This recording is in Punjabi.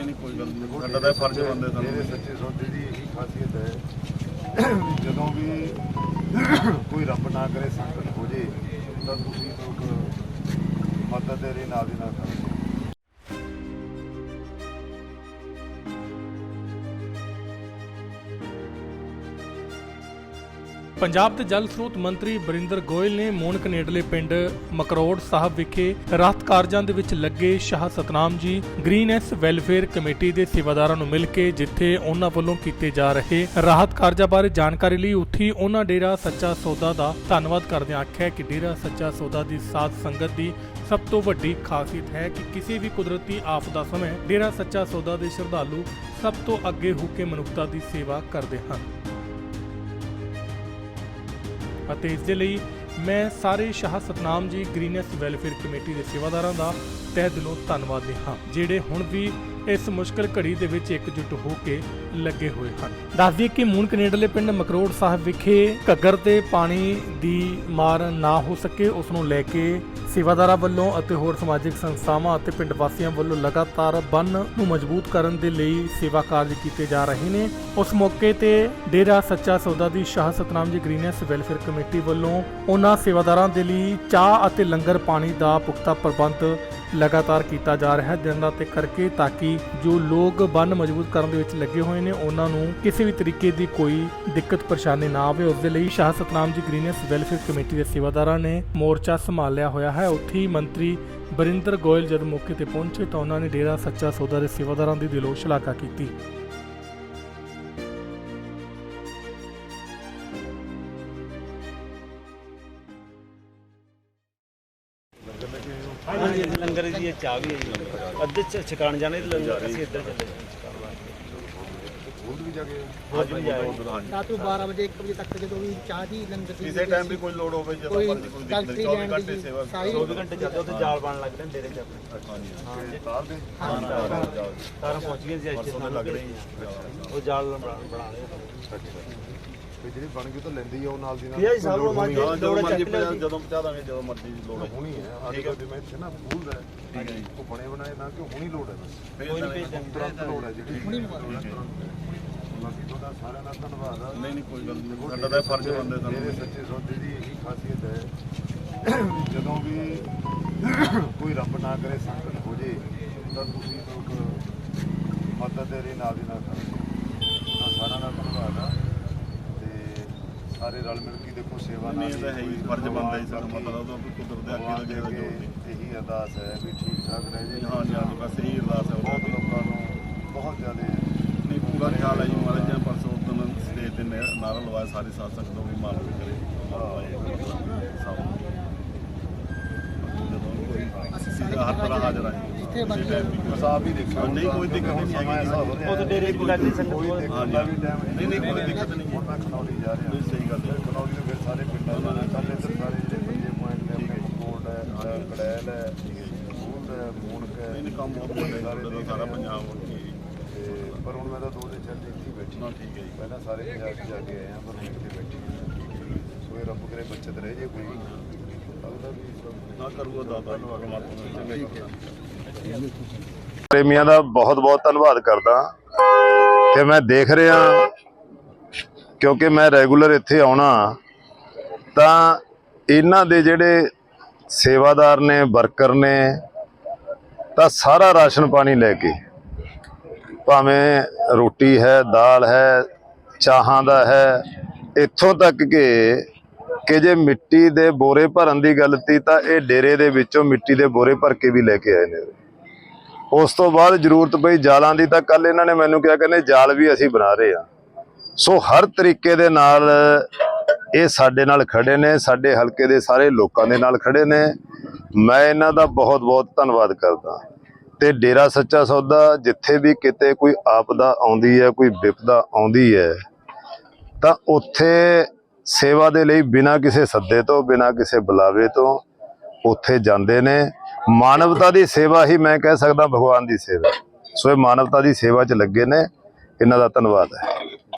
नहीं कोई गल नहीं साडा तां फर्ज बनदे सानूं मेरे सच्चे सौदे की यही खासियत है जदों भी कोई रब ना करे संकट हो जाए तो तुसीं लोग मदद दे नाल दी नाल करो। ਪੰਜਾਬ ਦੇ ਜਲ ਸਰੋਤ ਮੰਤਰੀ ਬਰਿੰਦਰ ਗੋਇਲ ਨੇ ਮੋਨਕ ਨੇੜਲੇ ਪਿੰਡ ਮਕਰੋੜ ਸਾਹਿਬ ਵਿਖੇ ਰਾਹਤ ਕਾਰਜਾਂ ਦੇ ਵਿੱਚ ਲੱਗੇ ਸ਼ਾਹ ਸਤਨਾਮ ਜੀ ਗ੍ਰੀਨੈਸ ਵੈਲਫੇਅਰ ਕਮੇਟੀ ਦੇ ਸੇਵਾਦਾਰਾਂ ਨੂੰ ਮਿਲ ਕੇ ਜਿੱਥੇ ਉਹਨਾਂ ਵੱਲੋਂ ਕੀਤੇ ਜਾ ਰਹੇ ਰਾਹਤ ਕਾਰਜਾਂ ਬਾਰੇ ਜਾਣਕਾਰੀ ਲਈ ਉੱਥੀ ਉਹਨਾਂ ਡੇਰਾ ਸੱਚਾ ਸੌਦਾ ਦਾ ਧੰਨਵਾਦ ਕਰਦਿਆਂ ਆਖਿਆ ਕਿ ਡੇਰਾ ਸੱਚਾ ਸੌਦਾ ਦੀ ਸਾਧ ਸੰਗਤ ਦੀ ਸਭ ਤੋਂ ਵੱਡੀ ਖਾਸੀਅਤ ਹੈ ਕਿ ਕਿਸੇ ਵੀ ਕੁਦਰਤੀ ਆਫਤ ਸਮੇਂ ਡੇਰਾ ਸੱਚਾ ਸੌਦਾ ਦੇ ਸ਼ਰਧਾਲੂ ਸਭ ਤੋਂ ਅੱਗੇ ਹੋ ਕੇ ਮਨੁੱਖਤਾ ਦੀ ਸੇਵਾ ਕਰਦੇ ਹਨ ਅਤੇ ਇਸ ਦੇ ਲਈ ਮੈਂ ਸਾਰੇ ਸ਼ਾਹ ਸਤਨਾਮ ਜੀ ਗ੍ਰੀਨੈਸ ਵੈਲਫੇਅਰ ਕਮੇਟੀ ਦੇ ਸੇਵਾਦਾਰਾਂ ਦਾ ਤਹਿ ਦਿਲੋਂ ਧੰਨਵਾਦੀ ਹਾਂ ਜਿਹੜੇ ਹੁਣ ਵੀ ਇਸ ਮੁਸ਼ਕਲ ਘੜੀ ਦੇ ਵਿੱਚ ਇਕਜੁੱਟ ਹੋ ਕੇ ਲੱਗੇ ਹੋਏ ਹਨ। ਦੱਸ ਦਈਏ ਕਿ ਮੂਨਕ ਨੇੜਲੇ ਪਿੰਡ ਮਕਰੋੜ ਸਾਹਿਬ ਵਿਖੇ ਘੱਗਰ ਤੇ ਪਾਣੀ ਦੀ ਮਾਰ ਨਾ ਹੋ ਸਕੇ ਉਸ ਨੂੰ ਲੈ ਕੇ ਸੇਵਾਦਾਰਾਂ ਵੱਲੋਂ ਅਤੇ ਹੋਰ ਸਮਾਜਿਕ ਸੰਸਥਾਵਾਂ ਅਤੇ ਪਿੰਡ ਵਾਸੀਆਂ ਵੱਲੋਂ ਲਗਾਤਾਰ ਬੰਨ੍ਹ ਨੂੰ ਮਜ਼ਬੂਤ ਕਰਨ ਦੇ ਲਈ ਸੇਵਾ ਕਾਰਜ ਕੀਤੇ ਜਾ ਰਹੇ ਨੇ। ਉਸ ਮੌਕੇ ਤੇ ਡੇਰਾ ਸੱਚਾ ਸੌਦਾ ਦੀ ਸ਼ਾਹ ਸਤਨਾਮ ਜੀ ਗ੍ਰੀਨੈਸ ਵੈਲਫੇਅਰ ਕਮੇਟੀ ਵੱਲੋਂ ਉਹਨਾਂ ਸੇਵਾਦਾਰਾਂ ਦੇ ਲਈ ਚਾਹ ਅਤੇ ਲੰਗਰ ਪਾਣੀ ਦਾ ਪੁਖਤਾ ਪ੍ਰਬੰਧ ਲਗਾਤਾਰ ਕੀਤਾ ਜਾ ਰਿਹਾ ਹੈ ਦਿਨ ਰਾਤ ਕਰਕੇ ਤਾਂ ਕਿ ਜੋ ਲੋਕ ਬੰਨ੍ਹ ਮਜ਼ਬੂਤ ਕਰਨ ਦੇ ਵਿੱਚ ਲੱਗੇ ਹੋਏ ਨੇ ਉਹਨਾਂ ਨੂੰ ਕਿਸੇ ਵੀ ਤਰੀਕੇ ਦੀ ਕੋਈ ਦਿੱਕਤ ਪਰੇਸ਼ਾਨੀ ਨਾ ਆਵੇ। ਉਸ ਦੇ ਲਈ ਸ਼ਾਹ ਸਤਨਾਮ ਜੀ ਗ੍ਰੀਨੈਸ ਵੈਲਫੇਅਰ ਕਮੇਟੀ ਦੇ ਸੇਵਾਦਾਰਾਂ ਨੇ ਮੋਰਚਾ ਸੰਭਾਲਿਆ ਹੋਇਆ ਹੈ। ਉੱਥੇ ਹੀ ਮੰਤਰੀ ਬਰਿੰਦਰ ਗੋਇਲ ਜਦ ਮੌਕੇ ਤੇ ਪਹੁੰਚੇ ਤਾਂ ਉਹਨਾਂ ਨੇ ਡੇਰਾ ਸੱਚਾ ਸੌਦਾ ਦੇ ਸੇਵਾਦਾਰਾਂ ਦੀ ਦਿਲੋਂ ਸ਼ਲਾਘਾ ਕੀਤੀ। हाँ जी लंगर की चाह भी है अद्धे छकान जाने लंगर असीं इधर चले रात को 12 बजे 1 बजे तक जो भी चाह दी लंगर की किसी टाइम भी कोई लोड होवे ਜਦੋਂ ਮਰਜ਼ੀ ਕੋਈ ਦਿੱਕਤ ਨਹੀਂ 24 ਘੰਟੇ ਸੇਵਾ 24 घंटे चलते उत्थे जाल बन लगदे ने डेरे च अपने ਤਾਰ ਦੇ तारा पहुंच गए सी अच्छे लग रहे हैं वो जाल बना रहे ਤੇ ਜਿਹੜੀ ਬਣ ਗਈ ਤਾਂ ਲੈਂਦੀ ਆ ਉਹ ਨਾਲ ਦੀ ਨਾਲ ਇਹ ਸਭ ਨੂੰ ਮਾਰ ਜਦੋਂ ਮਰਜ਼ੀ ਜਦੋਂ ਪਹੁੰਚਾ ਦਾਂਗੇ ਜਦੋਂ ਮਰਜ਼ੀ ਲੋੜ ਹੈ ਹੁਣੀ ਹੈ ਅੱਜ ਕੱਲ੍ਹ ਜਿਵੇਂ ਇੱਥੇ ਨਾ ਫੂਲ ਹੈ ਠੀਕ ਹੈ ਜੀ ਉਹ ਬਣੇ ਬਣਾਏ ਨਾ ਕਿ ਹੁਣੀ ਲੋੜ ਹੈ ਬਸ ਕੋਈ ਨਹੀਂ ਤੁਰੰਤ ਲੋੜ ਹੈ ਜਿਹੜੀ ਹੁਣੀ ਬਾਕੀ ਤੁਹਾਡਾ ਸਾਰਿਆਂ ਦਾ ਧੰਨਵਾਦ ਆ ਨਹੀਂ ਕੋਈ ਗੱਲ ਨਹੀਂ ਸਾਡਾ ਤਾਂ ਫਰਜ਼ ਬਣਦੇ ਮੇਰੇ ਸਾਨੂੰ ਸੱਚੇ ਸੌਦੇ ਦੀ ਇਹੀ ਖਾਸੀਅਤ ਹੈ ਜਦੋਂ ਵੀ ਕੋਈ ਰੱਬ ਨਾ ਕਰੇ ਸੰਕਟ ਹੋ ਜੇ ਤਾਂ ਤੁਸੀਂ ਲੋਕ ਮਦਦ ਦੇ ਨਾਲ ਦੀ ਨਾਲ ਕਰੋ ਤਾਂ ਸਾਰਿਆਂ ਦਾ ਧੰਨਵਾਦ ਆ ਤੇ ਸਾਰੇ ਰਲ ਮਿਲ ਕੇ ਦੇਖੋ ਸੇਵਾ ਨਾਲ ਨਹੀਂ ਤਾਂ ਹੈ ਹੀ ਫਰਜ਼ ਬਣਦਾ ਹੀ ਸਾਡਾ ਮਤਲਬ ਉਹਦਾ ਕੋਈ ਕੁਦਰਤ ਦੇ ਅੱਗੇ ਦਾ ਜਿਹੜਾ ਜੋੜ ਨਹੀਂ ਇਹੀ ਅਰਦਾਸ ਹੈ ਵੀ ਠੀਕ ਠਾਕ ਰਹਿ ਜੇ ਹਾਂ ਜੀ ਬਸ ਇਹੀ ਅਰਦਾਸ ਹੈ ਬਹੁਤ ਲੋਕਾਂ ਨੂੰ ਬਹੁਤ ਜ਼ਿਆਦਾ ਨਹੀਂ ਪੂਰਾ ਖਿਆਲ ਹੈ ਜੀ ਮਹਾਰਾਜ ਜੀ ਪਰਸੋਂ ਦਿਨ ਸਟੇਜ ਤੇ ਨਾਰਾ ਲਵਾਇਆ ਸਾਰੀ ਸਾਧ ਸੰਗਤ ਨੂੰ ਵੀ ਮਾਲਕ ਕਰੇ ਸਭ ਜਦੋਂ ਹਰ ਤਰ੍ਹਾਂ ਹਾਜ਼ਰ ਆ ਜੀ ਜਿੱਥੇ ਬਾਕੀ ਹਿਸਾਬ ਹੀ ਦੇਖੋ ਨਹੀਂ ਕੋਈ ਦਿੱਕਤ ਨਹੀਂ ਹੈਗੀ ਉਹ ਤਾਂ ਡੇਰੇ ਦੀ ਲੱਗੀ ਸੰਗਤ ਕੋਈ ਕੋਲ ਦੇਖਣ ਦਾ ਵੀ ਟਾਈਮ ਨਹੀਂ ਕੋਈ ਦਿੱਕਤ ਨਹੀਂ ਹੁਣ ਮੈਂ ਖਨੌਰੀ ਜਾ ਰਿਹਾ ਨਹੀਂ ਸਹੀ ਗੱਲ ਹੈ ਖਨੌਰੀ ਦੇ ਫਿਰ ਸਾਰੇ ਪਿੰਡਾਂ ਦਾ ਕੱਲ ਇੱਧਰ ਸਾਰੇ ਜਿਹੜੇ ਪੰਜੇ ਪੁਆਇੰਟ ਨੇ ਆਪਣੇ ਕੋਟ ਹੈ ਕੜੈਲ ਹੈ ਮੂੰਡ ਹੈ ਮੂਨਕ ਹੈ ਨਹੀਂ ਕੰਮ ਬਹੁਤ ਵੱਡੇ ਸਾਰੇ ਸਾਰਾ ਪੰਜਾਬ ਤੇ ਪਰ ਹੁਣ ਮੈਂ ਤਾਂ 2 ਦਿਨ ਚੱਲ ਇੱਥੇ ਬੈਠੀ ਨਾ ਠੀਕ ਹੈ ਜੀ ਪਹਿਲਾਂ ਸਾਰੇ ਪੰਜਾਬ 'ਚ ਜਾ ਕੇ ਆਏ ਆ ਪਰ ਹੁਣ ਇੱਥੇ ਬੈਠੀ ਸੋਏ ਰੱਬ ਕਰੇ ਬੱਚਤ ਰਹਿ ਜੇ ਕੋਈ ਉਹਦਾ ਵੀ ਨਾ ਕਰੂਗਾ ਦਾਦਾ ਪਰਮਾਤਮਾ ਚੰਗਾ ਹੀ ਕਰਦਾ ਪ੍ਰੇਮੀਆਂ ਦਾ ਬਹੁਤ ਬਹੁਤ ਧੰਨਵਾਦ ਕਰਦਾ ਕਿ ਮੈਂ ਦੇਖ ਰਿਹਾ ਕਿਉਂਕਿ ਮੈਂ ਰੈਗੂਲਰ ਇੱਥੇ ਆਉਣਾ ਤਾਂ ਇਹਨਾਂ ਦੇ ਜਿਹੜੇ ਸੇਵਾਦਾਰ ਨੇ ਵਰਕਰ ਨੇ ਤਾਂ ਸਾਰਾ ਰਾਸ਼ਨ ਪਾਣੀ ਲੈ ਕੇ ਭਾਵੇਂ ਰੋਟੀ ਹੈ ਦਾਲ ਹੈ ਚਾਹਾਂ ਦਾ ਹੈ ਇੱਥੋਂ ਤੱਕ ਕਿ ਜੇ ਮਿੱਟੀ ਦੇ ਬੋਰੇ ਭਰਨ ਦੀ ਗੱਲ ਤੀ ਤਾਂ ਇਹ ਡੇਰੇ ਦੇ ਵਿੱਚੋਂ ਮਿੱਟੀ ਦੇ ਬੋਰੇ ਭਰ ਕੇ ਵੀ ਲੈ ਕੇ ਆਏ ਨੇ। ਉਸ ਤੋਂ ਬਾਅਦ ਜ਼ਰੂਰਤ ਪਈ ਜਾਲਾਂ ਦੀ ਤਾਂ ਕੱਲ ਇਹਨਾਂ ਨੇ ਮੈਨੂੰ ਕਿਹਾ ਕਹਿੰਦੇ ਜਾਲ ਵੀ ਅਸੀਂ ਬਣਾ ਰਹੇ ਹਾਂ। ਸੋ ਹਰ ਤਰੀਕੇ ਦੇ ਨਾਲ ਇਹ ਸਾਡੇ ਨਾਲ ਖੜੇ ਨੇ ਸਾਡੇ ਹਲਕੇ ਦੇ ਸਾਰੇ ਲੋਕਾਂ ਦੇ ਨਾਲ ਖੜੇ ਨੇ। ਮੈਂ ਇਹਨਾਂ ਦਾ ਬਹੁਤ ਬਹੁਤ ਧੰਨਵਾਦ ਕਰਦਾ ਤੇ ਡੇਰਾ ਸੱਚਾ ਸੌਦਾ ਜਿੱਥੇ ਵੀ ਕਿਤੇ ਕੋਈ ਆਪਦਾ ਆਉਂਦੀ ਹੈ ਕੋਈ ਵਿਪਦਾ ਆਉਂਦੀ ਹੈ ਤਾਂ ਉੱਥੇ ਸੇਵਾ ਦੇ ਲਈ ਬਿਨਾਂ ਕਿਸੇ ਸੱਦੇ ਤੋਂ ਬਿਨਾਂ ਕਿਸੇ ਬੁਲਾਵੇ ਤੋਂ ਉੱਥੇ ਜਾਂਦੇ ਨੇ। ਮਾਨਵਤਾ ਦੀ ਸੇਵਾ ਹੀ ਮੈਂ ਕਹਿ ਸਕਦਾ ਭਗਵਾਨ ਦੀ ਸੇਵਾ। ਸੋ ਇਹ ਮਾਨਵਤਾ ਦੀ ਸੇਵਾ 'ਚ ਲੱਗੇ ਨੇ। ਇਹਨਾਂ ਦਾ ਧੰਨਵਾਦ ਹੈ।